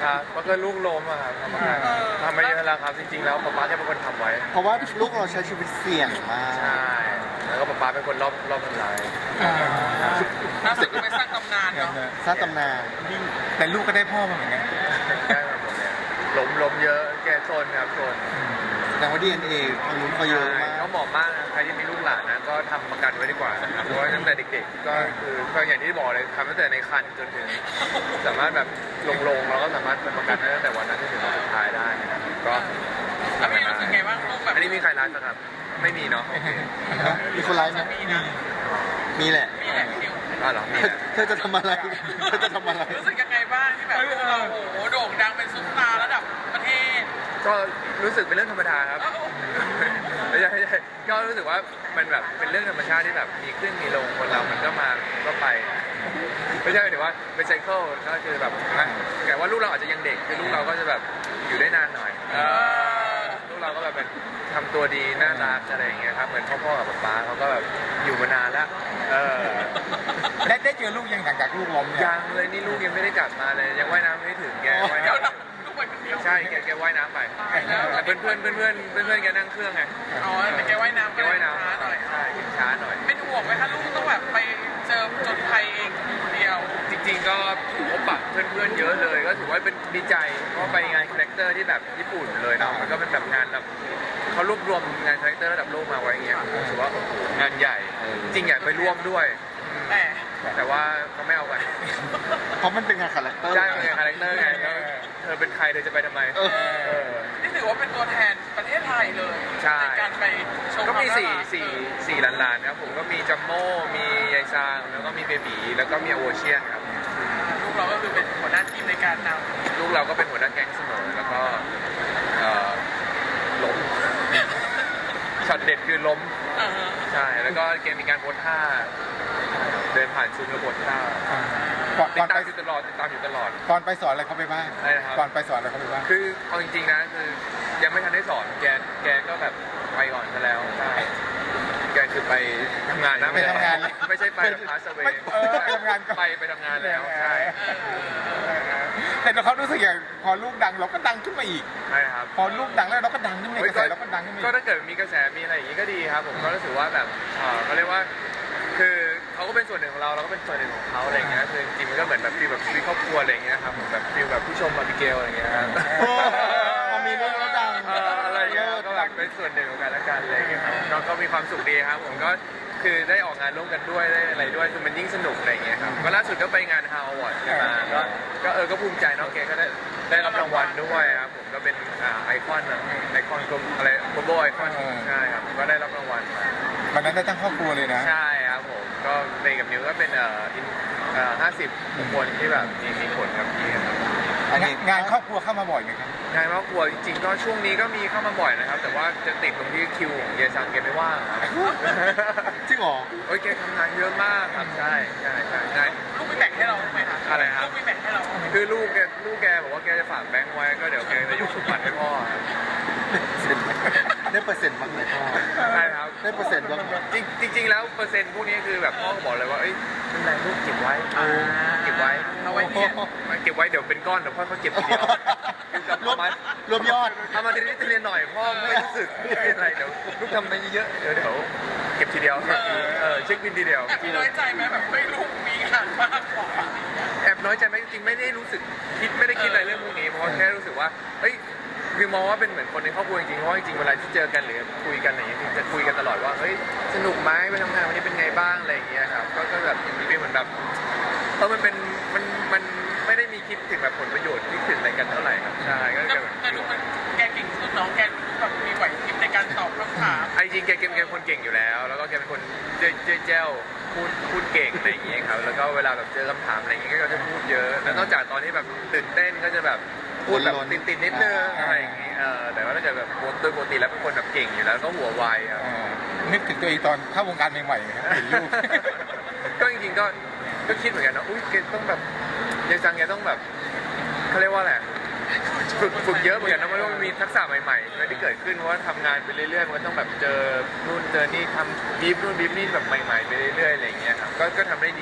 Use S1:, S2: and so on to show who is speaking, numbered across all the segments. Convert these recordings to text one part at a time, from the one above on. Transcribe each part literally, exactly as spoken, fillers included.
S1: ครับก็คือลูกล้มอะครับทำมาทำมาเยอะแล้วครับจริงๆแล้วป๊าป๊าแค่เป็นคนทำไว้
S2: เพราะว่าลูกเราใช้ชีวิตเสี่ยงมาก
S1: ใช่แล้วก็ป๊าป๊าเป็นคนรอบรอบทำลาย
S3: น่าสุดก็ไปสร้างตำนานเนาะ
S2: สร้างตำนาน
S4: แต่ลูกก็ได้พ่อมาเหมือนกัน
S1: ได้มาหมดเลยล้มล้มเยอะแกโซนครับโซน
S2: แต่ว่าดีเอ็นเอทางนู้นเขาเยอะมาก
S1: เขาเหมาะมากนะใครที่มีลูกหลานนะก็ทำประกันไว้ดีกว่านะครับเพราะว่าตั้งแต่เด็กๆก็คือก็อย่างที่บอกเลยทำตั้งแต่ในครรภ์จนถึงสามารถแบบลงๆเราก็สามารถเป็นประกันได้ตั้งแต่วันนั้นจนถึงวันสุดท้ายได้นะครับก็
S3: แล้วพี่รู้สึกไงบ้างลูกแบบ
S1: อันนี้มีใครรักนะครับไม่มีเนาะโอเค
S2: มีคนไลฟ์ไหมมีแหละ
S3: มีแหละพี่
S1: อ๋อเหรอมีแหละ
S2: เธอจะทำอะไรเธอจะทำอะไร
S3: รู้สึกยังไงบ้างที่แบบเราโอ้โหโด่งดังเป็นซุปตาร์ระดับประเทศ
S1: ก็รู้สึกเป็นเรื่องธรรมดาครับไม่ใช่ไม่ใช่ก็รู้สึกว่ามันแบบเป็นเรื่องธรรมชาติที่แบบมีขึ้นมีลงคนเรามันก็มาก็ไปไม่ใช่หมายถึงว่าเป็นไซเคิลก็คือแบบแต่ว่าลูกเราอาจจะยังเด็กคือลูกเราก็จะแบบอยู่ได้นานหน่อยลูกเราก็แบบเป็นทำตัวดีน่ารักอะไรอย่างเงี้ยครับเหมือนพ่อๆกับป๊าเขาก็แบบอยู่มานานแล้วเออ
S4: ได้ได้เจอลูกยังหลังจากลูกล้ม
S1: ยังเลยนี่ลูกยังไม่ได้กลับมาเลยยังว่ายน้ำไม่ถึงแกว่ายน้ำใช่แกแกว่ายน้ำไปแต่เพื่อนเพื่อนเพื่อนเพื่อนเพื่อนเพื่อนแกนั่งเครื่องไง
S3: อ๋อแต่แกว่ายน้ำ
S1: แกว่ายน้ำช้าหน่อยใช่ช้าหน่อย
S3: เป็นห่วงไหมคะลูกต้องแบบไปเจอจนภัยเองคนเดียว
S1: จริงๆก็พบปะเพื่อนๆเยอะเลยก็ถือว่าเป็นดีใจเพราะไปงานคาแรคเตอร์ที่แบบญี่ปุ่นเลยเนาะมันก็เป็นแบบงานแบบเขารวบรวมงานคาแรคเตอร์ระดับโลกมาไว้เงี้ยรู้สึกว่าโอ้โหงานใหญ่จริงอยากไปร่วมด้วย
S3: แต่
S1: แต่ว่าเขาไม่เอาไป
S2: เพราะมันเป็นงานคาแรคเตอร์
S1: ใช่เป็นงานคาแรคเตอร์ไงแล้วเธอเป็นใครเธอจะไปทำไม
S3: นี่ถือว่าเป็นตัวแทนประเทศไทยเลยในการไปชม
S1: ก็มีสี่สี่สี่ล้านๆครับผมก็มีจัมโม่มียายซางแล้วก็มีเบบีแล้วก็มีโอเชียนครับ
S3: ลูกเราก็คือเป็นหัวหน้าทีมในการน
S1: ำลูกเราก็เป็นหัวหน้าแก๊งเสมอแล้วก็ล้มช็อตเด็ดคือล้มใช่แล้วก็เกมมีการโพสท่าเดินผ่านซุ้มแล้วโพสท่าติดตามอยู่ตลอดติดตามอยู่ตลอด
S4: ก่อนไปสอนอะไรเขาไปบ้างก่อนไปสอนอะไรเขาไปบ้าง
S1: คือเอาจริงๆนะคือยังไม่ทันได้สอนแกแกก็แบบไปก่อนซะแล้วใช่แกคือไปทำงานนะ
S4: ไปทำงาน
S1: ไม่ใช่ไปแบบพาสเวย์
S4: ไปทำงาน
S1: ไปไปทำงานแล้วใช่
S4: แต่เขารู้สึกอย่างพอลูกดังเราก็ดังขึ้นมาอีก
S1: ใช่ครับ
S4: พอลูกดังแล้วเราก็ดังขึ้นมาอีกกระแสเราก็ดังขึ้นมา
S1: ก็ถ้าเกิดมีกระแสมีอะไรอย่างนี้ก็ดีครับผมก็รู้สึกว่าแบบเขาเรียกว่าคือเขาก็เป็นส่วนหนึ่งของเราเราก็เป็นส่วนหนึ่งของเขาอะไรเงี้ยคือจริงมันก็เหมือนแบบฟีลแบบชีวิตครอบครัวอะไรเงี้ยครับผมแบบฟีลแบบผู้ชมมาบิเกลอะไรเงี้ย
S2: พอมีลูกแล้วดัง
S1: อะไรเงี้ยก็แบบเป็นส่วนหนึ่งของกันและกันอะไรเงี้ยครับน้องก็มีความสุขดีครับผมก็คือได้ออกงานร่วมกันด้วยได้อะไรด้วยคือมันยิ่งสนุกอะไรเงี้ยครับก็ล่าสุดก็ไปงานฮาวอวอร์ดมาก็ก็เออก็ภูมิใจน้องเกก็ได้ได้รับรางวัลด้วยครับผมก็เป็นไอคอนไอคอนกลมอะไรโกลบอลไอคอนใช่ครับก็ได้รับรางวัลมา
S4: วันนั้นได้ทั้งครอบครัวเลยนะ
S1: ใช่ครับผมก็เมย์กับนิวก็เป็นเอ่อเอ่อห้าสิบบุคคลที่แบบมีมีผลกับพี่ครับ
S4: งานครอบครัวเข้ามาบ่อยไหมครับ
S1: งานครอบครัวจริงๆก็ช่วงนี้ก็มีเข้ามาบ่อยนะครับแต่ว่าจะติดตรงที่คิวของเยซังแกไม่ว่างครับ
S2: จริงเหรอ
S1: โอ้ยแกทำงานเยอะมากครับใช่ใช่ใช่ใช่
S3: ลูกไม่แบ่งให้เราไหมครับ
S1: อะไรครับ
S3: ลูกไม่แบ่งให้เรา
S1: คือลูกแกลูกแกบอกว่าแกจะฝากแบงค์ไว้ก็เดี๋ยวแกจะยกสมบัติให้พ่อ
S2: ได้เปอร์เซ็นต์บ้างไหมพ่อ
S1: ใช่ครับ
S2: ได้เปอร์เซ็นต์บ้าง
S1: จริงจริงแล้วเปอร์เซ็นต์พวกนี้คือแบบพ่อบอกเลยว่าเอ้ยเป็นไรลูกเก็บไว้เก็บไว้
S3: เอาไว้เนี่ย
S1: เก็บไว้เดี๋ยวเป็นก้อนเดี๋ยวพ่อเขาเก็บทีเดียว
S2: รวมรวมยอด
S1: ทำมาทีนี้ทีเรียนหน่อยพ่อไม่รู้สึกไม่เป็นไรเดี๋ยวลูกทำไปเยอะเดี๋ยวเดี๋ยวเก็บทีเดียวเออเช็คบินทีเดียว
S3: แอบน้อยใจไหมแบบไม่ลูกมีงานมากกว่า
S1: แอบน้อยใจไหมจริงๆไม่ได้รู้สึกคิดไม่ได้คิดอะไรเรื่องพวกนี้เพราะแค่รู้สึกว่าเฮ้ยคือมองว่าเป็นเหมือนคนในครอบครัวจริงๆเพราะจริงๆเวลาที่เจอกันหรือคุยกันอะไรอย่างเงี้ยจะคุยกันตลอดว่าเฮ้ยสนุกไหมไปทำงานวันนี้เป็นไงบ้างอะไรอย่างเงี้ยครับก็แบบเป็นเหมือนแบบเออมันเป็นมันมันไม่ได้มีคิดถึงแบบผลประโยชน์ที่ถึงอะไรกันเท่าไหร่ครับใช่ก็แบบ
S3: แต่ดูมันแกเก่งสุดน้องแกแบบมีไหวพริบในการตอบคำถาม
S1: ไอ้จริงแกแกเป็นคนเก่งอยู่แล้วแล้วก็แกเป็นคนเจ้าเจ้าพูดพูดเก่งอะไรอย่างเงี้ยครับแล้วก็เวลาแบบเจอคำถามอะไรอย่างเงี้ยก็จะพูดเยอะแล้วนอกจากตอนที่แบบตื่นเต้นก็จะแบบพูดแบบติดติดนิดนึงอะไรอย่างงี้เออแต่ว่าถ้าเกิดแบบโดยปกติแล้วเป็นคนแบบเก่งอยู่แล้วก็หัวไวครับ
S4: นึกถึงตัวเองตอนเข้าวงการใหม่ๆครับเห็นลูก
S1: ก็จริงๆก็ก็คิดเหมือนกันนะอุ้ยแกต้องแบบยังจังแกต้องแบบเขาเรียกว่าอะไรฝึกฝึกเยอะเหมือนกันนะเพราะว่ามีทักษะใหม่ๆที่เกิดขึ้นเพราะว่าทำงานไปเรื่อยๆมันต้องแบบเจอนู่นเจอนี่ทำบีฟนู่นบีฟนี่แบบใหม่ๆไปเรื่อยๆอะไรอย่างเงี้ยครับก็ก็ทำได้ดี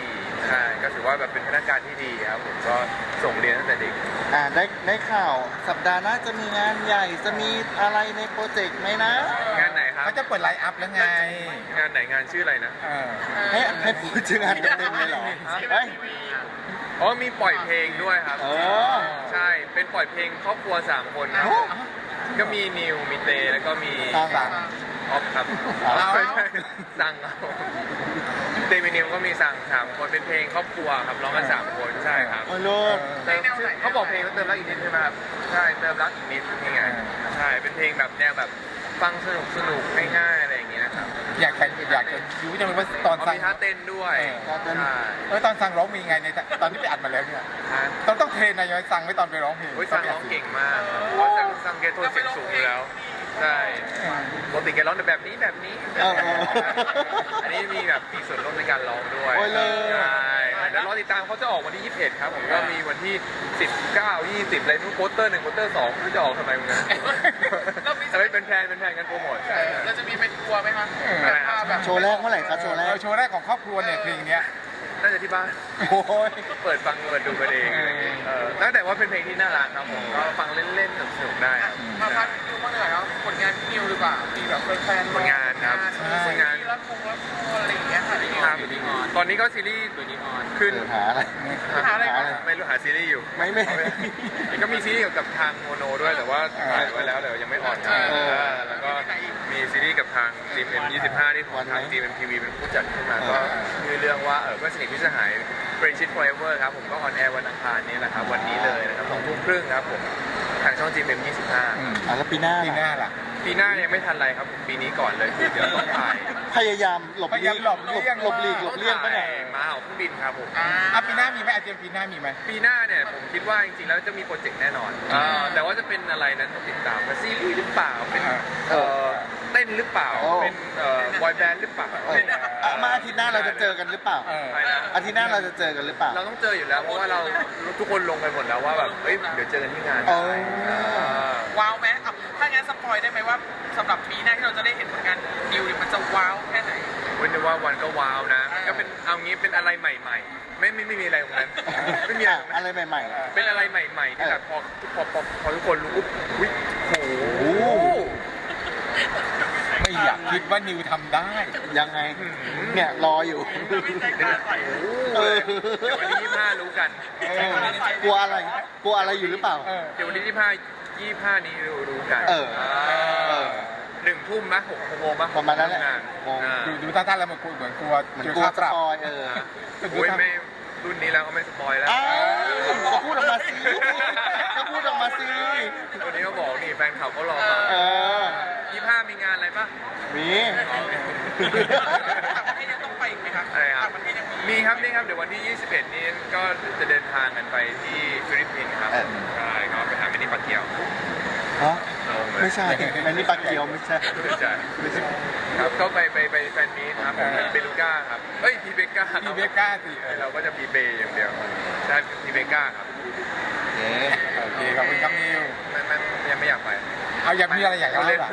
S1: ใช่ก็ถือว่าแบบเป็นพนักงานที่ดีครับผมก็ส่งเรียนตั้งแต่เด็ก
S2: อ่าได้ได้ข่าวสัปดาห์หน้าจะมีงานใหญ่จะมีอะไรในโปรเจกต์ไหมนะ
S1: งานไหนครับ
S4: เขาจะเปิดไลน์อัพแล้วไง
S1: งานไหนงานชื่ออะไรนะ
S4: เออ
S2: ให้ให้พูดชื่องานเต็มๆเลยเหรอเฮ้ย
S1: อ๋อมีปล่อยเพลงด้วยครับ
S2: เออ
S1: ใช่เป็นปล่อยเพลงครอบครัวสามคนครับ
S2: โอ้
S1: ก็มีนิวมีเตแล้วก็มี
S2: สร้างสรรค์
S1: ออฟครับ
S2: เอา
S1: ไม่ใช่สั่งเอาเตมีนิวก็มีสั่งสามคนเป็นเพลงครอบครัวครับร้องกันสามคนใช่ครับ
S2: โอ้ยลูก
S1: เติมชื่อเขาบอกเพลงว่าเติมรักอีกนิดใช่ไหมครับใช่เติมรักอีกนิดนี่ไงใช่เป็นเพลงแบบแนวแบบฟังสนุกสนุกง่ายๆอะไรอย่างเงี้ยนะครับ
S4: อยากจะอยากจะรู้จังเลยว่าตอน
S1: เขา
S4: สั่ง
S1: มีท่าเต้นด้วย
S2: เออท่าเต้น
S1: ใช่
S4: เออตอนสั่งร้องมีไงในตอนที่ไปอัดมาแล้วเนี่ย
S1: ฮะ
S4: ต้องต้องเทรนนายอยสั่งไว้ตอนไปร้องเพลง
S1: โอ้ยซังร้องเก่งมากครับเพราะซังซังแกโทนเสียงสูงอยู่แล้วใช่ปกติแกร้องแต่แบบนี้แบบนี้
S2: เออเออ
S1: อันนี้มีแบบมีส่วนร่วมในการร้องด้วย
S2: โอ้ยเลย
S1: ใช่แล้วรอติดตามเขาจะออกวันที่ยี่สิบเอ็ดครับผมก็มีวันที่สิบเก้า ยี่สิบอะไรนู้นโปสเตอร์หนึ่งโปสเตอร์สองไม่รู้จะออกทำไมมึงนะแต่ไม่เป็นแพลนเป็นแพลนกันโปรโมทใช่
S3: เราจะมีเป็นทัวร์ไหมคะ
S1: อะไรนะ
S3: แบบ
S2: โชว์แรกเมื่อไหร่ครับโชว์แร
S4: เอก อโชว์แรกของครอบครัวเนี่ยเพลงเนี้ย
S1: น่าจะที่บ้าน
S2: โอ้ย
S1: เปิดฟังเปิดดูกันเองอะไรอย่างเงี้ยเออตั้งแต่ว่าเป็นเพลงที่น่ารักครับผมก็ฟังเล่นๆสนุกๆได้ครับ
S3: มาพักนิวบ้างเลยเหรอผลงานพี่นิวหรือเปล่ามีแบบแฟนๆ
S1: ผลงานครับผลงาน
S3: รักคงรักคงอะไรอย่างเงี้ยค่ะพี่นิว
S1: ครับตอนนี้ก็ซีรีส์ขึ้น
S2: เออหาอะไร
S3: หาอะไร
S2: หาอะไร
S1: ไม่รู้หาซีรีส์อยู่
S2: ไม่ไม่
S1: ก็มีซีรีส์เกี่ยวกับทางโมโนด้วยแต่ว่าถ่ายไว้แล้วแต่ยังไม่ออนครับ
S2: เออ
S1: เออแล้วก็มีซีรีส์กับทางจีเอ็มยี่สิบห้าที่ของทางจีเอ็มทีวีเป็นผู้จัดขึ้นมาก็คือเรื่องว่าเออเพื่อนสนิทพิสหาย Friendship Forever ครับผมก็ออนแอร์วันอังคารนี้แหละครับวันนี้เลยนะครับสองทุ่มครึ่งครับผมทางช่องจีเอ็มยี่สิบห้า
S4: อืม
S2: อ่ะแล้วปีหน้า
S4: ปีหน้า
S2: ล่ะ
S4: ล่ะ
S1: ปีหน้ายังไม่ทันไรครับผมปีนี้ก่อนเลยคือเดี๋ยวต้องถ่าย
S2: พยายามหลบ
S4: พยายามหลบเลี่ยง
S2: หลบหลีกหลบเลี่ยงไปไหน
S1: มาเอาเครื่องบินครับผม
S3: อ่า
S4: อ่ะปีหน้ามีไหมอาเจมปีหน้ามีไหม
S1: ปีหน้าเนี่ยผมคิดว่าจริงๆแล้วจะมีโปรเจกต์แน่นอนอ่าแต่ว่าจะเป็นอะไรนั้นต้องติดตามว่าซีรีส์หรือเปล่าเป็นเอ่อเต้นหรือเปล่า
S2: โอ้
S1: เป็นเอ่อบอยแบนด์หรือเปล่า
S2: เอออ่ะมาอาทิตย์หน้าเราจะเจอกันหรือเปล่า
S4: เออ
S1: อะไรนะ
S2: อาทิตย์หน้าเราจะเจอกันหรือเปล่า
S1: เราต้องเจออยู่แล้วเพราะว่าเราทุกคนลงไปหมดแล้วว่าแบบเอ้ยเดี๋ยวเจอกันที่งาน
S2: เออ
S1: อ่า
S3: ว้าวไหมอ่ะถ้างั้นสปอยได้ไหมว่าสำหรับปีหน้าที่เราจะได้เห็นผลงานนิวเนี่ยมันจะว้าวแค่ไหน
S1: เว้นแต่ว่าวันก็ว้าวนะ ก็เป็นเอางี้เป็นอะไรใหม่ ๆ ไม่ไม่ไม่มีอะไรตรงนั้นไม่มีอะไรตรงนั้น
S2: อะไรใหม่
S1: เป็นอะไรใหม่ๆที่แบบพอพอพอพอทุกคนรู้ปุ๊บอุ๊ยโห
S2: โอ้
S4: ไม่อยากคิดว่านิวทำได้
S2: ๆ ยังไง เนี่ยรออยู่ เออ
S1: เดี๋ยววันที่ยี่สิบห้ารู้กัน
S2: เออกลัวอะไร กลัวอะไรอยู่หรือเปล่า
S4: เออ
S1: เดี๋ยววันที่ยี่สิบห้ายี่สิบห้านี้รู้รู้กัน
S2: เออเออ
S1: หนึ่งทุ่มนะหกโมงปะ
S2: ประมาณนั้นแหละ
S1: งาน
S2: โมง
S1: อ่า
S4: ดูดูท่าๆแล้วมันกลัวเหมือนกลัว
S2: เหมือน
S4: เจอก
S2: ลัว
S4: ค่า
S2: ส
S4: ปรับ
S2: ปอยเออ
S1: โอ้ยไม่รุ่นนี้แล้วก็ไม่สปอยแล้ว
S2: อ้าวก็พูดออกมาสิก็พูดออกมาสิ
S1: วันนี้ก็บอกนี่แฟนข่าวเขารอฟัง
S2: เออ
S1: ยี่สิบห้ามีงานอะไรปะ
S2: มี
S3: ต่างประเทศยังต้องไปอีกไหมคะ
S1: อะไรครับ
S3: ต่างประเทศยังมี
S1: มีครับนี่ครับเดี๋ยววันที่ยี่สิบเอ็ดนี้ก็จะเดินทางกันไปที่ฟิลิปปินส์ครับ
S2: เออ
S1: ใช่ก็ไปหามินิปาเกียว
S2: ฮะ
S1: ลงเลย
S2: ไม่ใช่อันนี้ปลาเกียวไม่ใช่
S1: ไม่ใช่ครับก็ไปไปไปแฟนมีตครับผมเบลูก้าครับเอ้ยพีเบก้า
S4: พี่เบก้าสิเออ
S1: เราก็จะพีเบอย่างเดียวใช่พีเบก้าครับ
S2: เย้
S4: โอเคขอบคุณครับนิว
S1: ไม่ไม่ยังไม่อยากไป
S4: เอาอยากมีอะไรอยากเล่า
S1: เล่น
S4: ล่ะ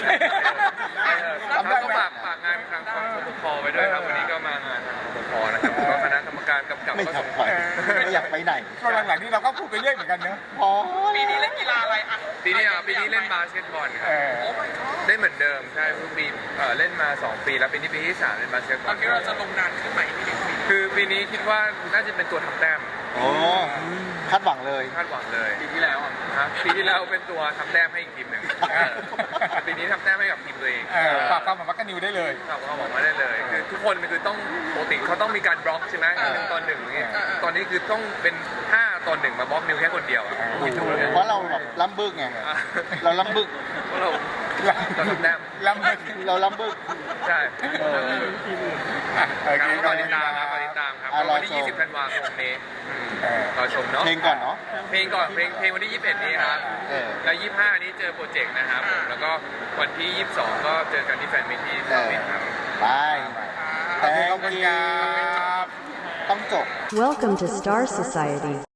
S1: เขาก็ฝากฝากงานทางของสปคไปด้วยครับวันนี้ก็มางานทางสปคนะครับก็คณะกรรมการกำกับ
S2: ไม่
S1: ก็
S2: อยา
S1: ส่
S2: ก
S1: ง
S2: ไปไม่อยากไปไหน
S4: ก็หลังๆนี้เราก็พูดไปเรื่อยเหมือนกันเนอะ
S2: พอ
S3: ปีนี้เล่นกีฬาอะไรอ่ะ
S1: ปีนี้อ่ะปีนี้เล่นบาสเกตบอลค
S4: เอ
S1: รับ
S4: อ
S3: โอ้ my god
S1: เล่นเหมือนเดิมใช่ทุกปีเอ่อเล่นมาสองปีแล้วปีนี้ปีที่สามเล่นบาสเกตบ
S3: ต
S1: อ
S3: อน
S1: ล
S3: นี้เราจะลงนานขึ้นไหมพี่นิว
S1: คือปีนี้คิดว่าน่าจะเป็นตัวทำแต้ม
S2: โอ้คาดหวังเลย
S1: คาดหวังเลยปีที่แล้วครับปีที่แล้วเป็นตัวทำแต้มให้อีกทีมหนึ่งเออปีนี้ทำแต้มให้กับทีมตัวเอง
S4: เออฝากความหวังว่ากับนิวได้เลย
S1: ครับเขาบอกมาได้เลยคือทุกคนคือต้องปกติเขาต้องมีการบล็อกใช่ไหมหนึ่งตอนหนึ่งอย่างเงี้ยตอนนี้คือต้องเป็นห้าตอนหนึ่งมาบล็อกนิวแค่คนเดียวอะคิดดูเลย
S2: เพราะเราแบบล้ำบึกไง
S1: อ่ะ
S2: เราล้ำบึก
S1: เพราะเราเราทำแต้ม
S4: ลำบาก
S2: เราล้ำบึก
S1: ใช่
S2: เออ
S4: อ่ะโอเค
S1: ก็รอติดตามครับรอติดตามครับ
S2: อ่ะรอชม
S1: วันที่ยี่สิบธันวาคมนี้อืม
S4: เออ
S1: รอชมเนาะ
S2: เพลงก่อนเนาะ
S1: เพลงก่อนเพลงเพลงวันที่ยี่สิบเอ็ดนี้ครับ
S2: เออ
S1: แล้วยี่สิบห้านี้เจอโปรเจกต์นะครับผมแล้วก็วันที่ยี่สิบสองก็เจอกันที่แฟนมิตที่สวิตครับ
S2: บาย
S4: โอเคขอบคุณครับ
S2: ต้องจบ
S5: Welcome to Star Society.